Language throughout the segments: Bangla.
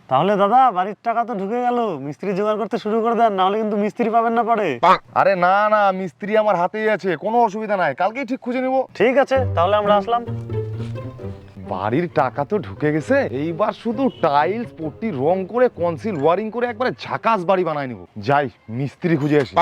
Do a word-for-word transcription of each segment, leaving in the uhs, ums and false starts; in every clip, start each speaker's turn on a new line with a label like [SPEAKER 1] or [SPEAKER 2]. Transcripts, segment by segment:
[SPEAKER 1] তাহলে দাদা বাড়ির টাকা তো ঢুকে গেল, মিস্ত্রি জোগাড় করতে শুরু করে দেন, নাহলে কিন্তু মিস্ত্রি পাবেন না পরে।
[SPEAKER 2] আরে না না, মিস্ত্রি আমার হাতেই আছে, কোনো অসুবিধা নাই, কালকেই ঠিক খুঁজে নেব।
[SPEAKER 1] ঠিক আছে, তাহলে আমরা আসলাম।
[SPEAKER 2] বাড়ির টাকা তো ঢুকে গেছে, এইবার শুধু টাইলস পট্টি রং করে কনসিল ওয়ারিং করে একবারে ঝাকাস বাড়ি বানায় নিব। যাই মিস্ত্রি খুঁজে আসি।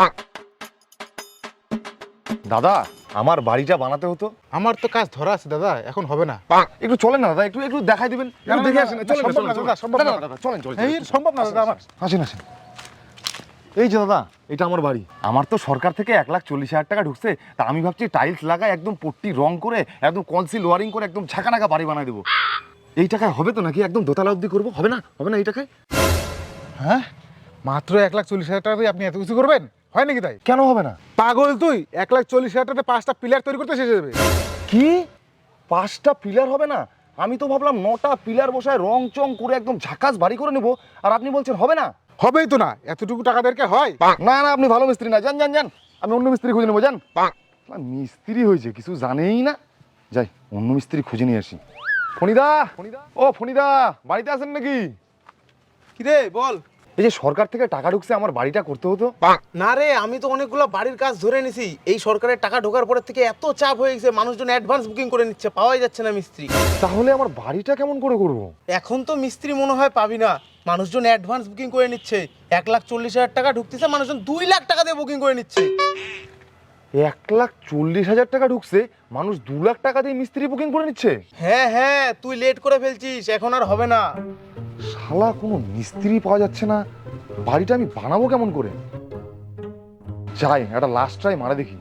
[SPEAKER 2] দাদা আমার বাড়িটা বানাতে হতো।
[SPEAKER 3] আমার তো কাজ ধরা আছে দাদা, এখন হবে না।
[SPEAKER 2] একটু চলেন না দাদা, একটু একটু দেখাই দিবেন, একটু দেখে আসেন। চলেন
[SPEAKER 3] সম্ভব না দাদা, সম্ভব না
[SPEAKER 2] দাদা, চলেন চলেন।
[SPEAKER 3] এই সম্ভব না দাদা আমার।
[SPEAKER 2] আসেন আসেন। এই যে দাদা, এটা আমার বাড়ি। আমার তো সরকার থেকে এক লাখ চল্লিশ হাজার টাকা ঢুকছে, তা আমি ভাবছি টাইলস লাগাই একদম পট্টি রং করে একদম কনসিল ওয়ারিং করে একদম ঝাঁকানাকা বাড়ি বানাই দেবো। এই টাকায় হবে তো নাকি? একদম দোতলা অবধি করবো, হবে না? হবে না এই টাকায়?
[SPEAKER 3] হ্যাঁ, মাত্র এক লাখ চল্লিশ হাজার টাকা দিয়ে আপনি এত কিছু করবেন? হয় নাকি তাই?
[SPEAKER 2] কেন হবে না?
[SPEAKER 3] পাগল তুই! এক লাখ চল্লিশ হাজার টাকাতে পাঁচটা পিলার তৈরি করতে শেষ হয়ে যাবে।
[SPEAKER 2] কি পাঁচটা পিলার হবে না? আমি তো ভাবলাম নটা পিলার বসায় রং চং করে একদম ঝাকাস বাড়ি করে নেবো, আর আপনি বলছেন হবে না?
[SPEAKER 3] হবেই তো না, এতটুকু টাকা দরকার হয়?
[SPEAKER 2] না না, আপনি ভালো মিস্ত্রি না, যান যান যান, আমি অন্য মিস্ত্রি খুঁজে নেবো, যান। মিস্ত্রি হয়েছে কিছু জানেই না, যাই অন্য মিস্ত্রি খুঁজে নিয়ে আসি। ফণিদা, ও ফণিদা, বাড়িতে আছেন নাকি?
[SPEAKER 4] কিরে বল।
[SPEAKER 2] এই যে সরকার থেকে টাকা ঢুকছে, আমার বাড়িটা করতে হতো।
[SPEAKER 4] না রে, আমি তো অনেকগুলো বাড়ির কাজ ধরে নিছি। এই সরকারের টাকা ঢোকার পর থেকে এত চাপ হয়ে গেছে, মানুষজন অ্যাডভান্স বুকিং করে নিচ্ছে, পাওয়াই যাচ্ছে না মিস্ত্রি।
[SPEAKER 2] তাহলে আমার বাড়িটা কেমন করে করব?
[SPEAKER 4] এখন তো মিস্ত্রি মনে হয় পাবি না, মানুষজন অ্যাডভান্স বুকিং করে নিচ্ছে। এক লাখ চল্লিশ হাজার টাকা ঢুকতেছে, মানুষজন দুই লাখ টাকা দিয়ে বুকিং করে নিচ্ছে।
[SPEAKER 2] এক লাখ চল্লিশ হাজার টাকা ঢুকছে, মানুষ দু লাখ টাকা দিয়ে মিস্ত্রি বুকিং করে নিচ্ছে।
[SPEAKER 4] হ্যাঁ হ্যাঁ, তুই লেট করে ফেলছিস, এখন আর হবে না।
[SPEAKER 2] শালা কোনো মিস্ত্রি পাওয়া যাচ্ছে না, বাড়িটা আমি বানাবো কেমন করে? যাই একটা লাস্ট ট্রাই মারা দেখি।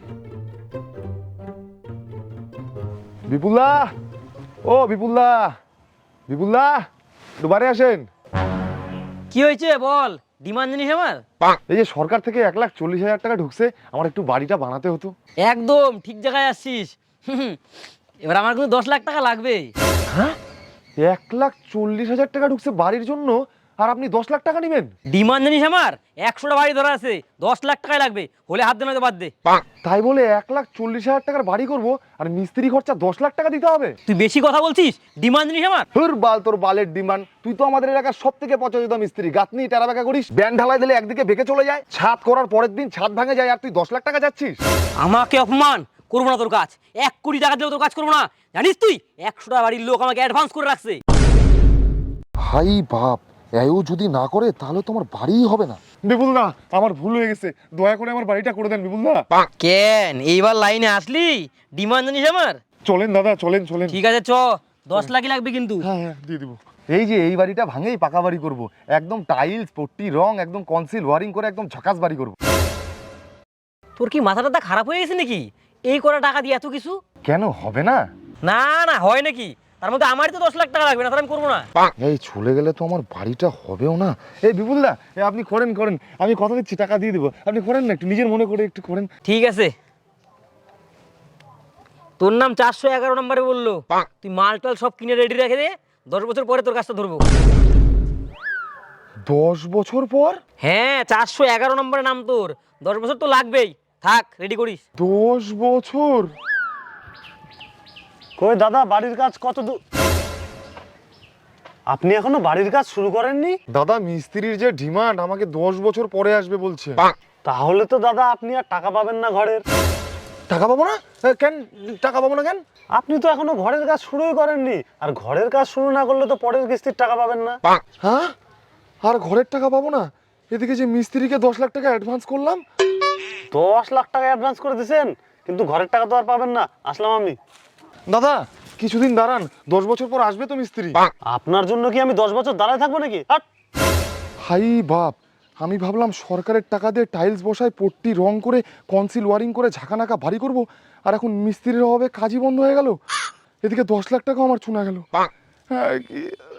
[SPEAKER 2] বিপুলদা, ও বিপুলদা, বিপুলদা একটু বাড়ি আসেন।
[SPEAKER 5] কি হয়েছে বল, ডিমান্ড জানিস আমার?
[SPEAKER 2] এই যে সরকার থেকে এক লাখ চল্লিশ হাজার টাকা ঢুকছে, আমার একটু বাড়িটা বানাতে হতো।
[SPEAKER 5] একদম ঠিক জায়গায় আসছিস। হুম, এবার আমার কিন্তু দশ লাখ টাকা লাগবে।
[SPEAKER 2] হ্যাঁ, এক লাখ চল্লিশ হাজার টাকা ঢুকছে বাড়ির জন্য, আর আপনি দশ লাখ টাকা নেবেন?
[SPEAKER 5] ডিমান্ড জানিস আমার? একশোটা বাড়ি ধরা আছে, দশ লাখ টাকাই লাগবে, হলে হাত দে নয়তো বাদ দে।
[SPEAKER 2] তাই বলে এক লাখ চল্লিশ হাজার টাকার বাড়ি করব, আর মিস্ত্রি খরচা দশ লাখ টাকা দিতে হবে?
[SPEAKER 5] তুই বেশি কথা বলছিস, ডিমান্ড জানিস আমার?
[SPEAKER 2] হুর বাল তোর বালের ডিমান্ড! তুই তো আমাদের এলাকার সব থেকে পচা মিস্ত্রি, গাঁথনি টেরা বেঁকা করিস, ব্যান্ড ঢালাই দিলে একদিকে বেঁকে চলে যায়, ছাদ করার পরের দিন ছাদ ভাঙে যায়, আর তুই দশ লাখ টাকা যাচ্ছিস?
[SPEAKER 5] আমাকে অপমান করবো না তোর কাজ, এক কোটি টাকা দিলেও তোর কাজ করবো না। জানিস তুই একশোটা বাড়ির লোক আমাকে অ্যাডভান্স করে রাখছে।
[SPEAKER 2] ভাই বাপ, এও যদি না করে তাহলে তো আমার বাড়িই হবে না। বিপুলদা, আমার ভুল হয়ে গেছে, দয়া করে আমার বাড়িটা করে দেন বিপুলদা।
[SPEAKER 5] কেন এইবার লাইনে আসলি? ডিমান্ড জানিস আমার?
[SPEAKER 2] চলেন দাদা, চলেন চলেন।
[SPEAKER 5] ঠিক আছে চ, দশ লাখই লাগবে কিন্তু।
[SPEAKER 2] হ্যাঁ হ্যাঁ দিয়ে দিব। এই যে এই বাড়িটা ভাঙেই পাকা বাড়ি করব, একদম টাইলস পট্টি রং একদম কনসিল ওয়ারিং করে একদম ঝাকাস বাড়ি করব।
[SPEAKER 5] তোর কি মাথা টাথা খারাপ হয়ে গেছে নাকি? এই করা টাকা দিয়ে এত কিছু?
[SPEAKER 2] কেন হবে না?
[SPEAKER 5] না না হয় নাকি? তার মধ্যে আমারই তো দশ লাখ টাকা লাগবে, না তাহলে আমি করবো না।
[SPEAKER 2] এই চলে গেলে তো আমার বাড়িটা হবেও না। এই বিপুলদা, এ আপনি করেন করেন, আমি কথা দিচ্ছি টাকা দিয়ে দেবো, আপনি করেন না, একটু নিজের মনে করে একটু করেন।
[SPEAKER 5] ঠিক আছে, তোর নাম চারশো এগারো নম্বরে বললো, তুই মাল টাল সব কিনে রেডি রেখে দে, দশ বছর পরে তোর কাজটা ধরবো।
[SPEAKER 2] দশ বছর পর?
[SPEAKER 5] হ্যাঁ, চারশো এগারো নম্বরে নাম তোর, দশ বছর তো লাগবেই, থাক রেডি করিস।
[SPEAKER 2] দশ বছর?
[SPEAKER 1] কই দাদা, বাড়ির কাজ কত দূর? আপনি এখনো বাড়ির কাজ শুরু করেননি?
[SPEAKER 2] দাদা মিস্ত্রির যে ডিমান্ড, আমাকে দশ বছর পরে আসবে বলছে।
[SPEAKER 1] তাহলে তো দাদা আপনি আর টাকা পাবেন না ঘরের।
[SPEAKER 2] টাকা পাবো না? এ, কেন টাকা পাবো না কেন?
[SPEAKER 1] আপনি তো এখনো ঘরের কাজ শুরুই করেননি, আর ঘরের কাজ শুরু না করলে তো পরের কিস্তির টাকা পাবেন না।
[SPEAKER 2] হ্যাঁ, আর ঘরের টাকা পাবো না? এদিকে যে মিস্ত্রিকে দশ লাখ টাকা অ্যাডভান্স করলাম।
[SPEAKER 1] দশ লাখ টাকা অ্যাডভান্স করে দিয়েছেন, কিন্তু ঘরের টাকা তো আর পাবেন না। আসলাম আমি।
[SPEAKER 2] দাদা কিছুদিন দাঁড়ান, দশ বছর পর আসবে তো মিস্ত্রি।
[SPEAKER 1] আপনার জন্য কি আমি দশ বছর দাঁড়ায় থাকবো নাকি? হাট!
[SPEAKER 2] হাই বাপ, আমি ভাবলাম সরকারের টাকা দিয়ে টাইলস বসায় পট্টি রং করে কনসিল ওয়ারিং করে ঝাঁকানাকা বাড়ি করব, আর এখন মিস্ত্রির অভাবে কাজই বন্ধ হয়ে গেল। এদিকে দশ লাখ টাকা আমার চুনা গেল। হ্যাঁ, কি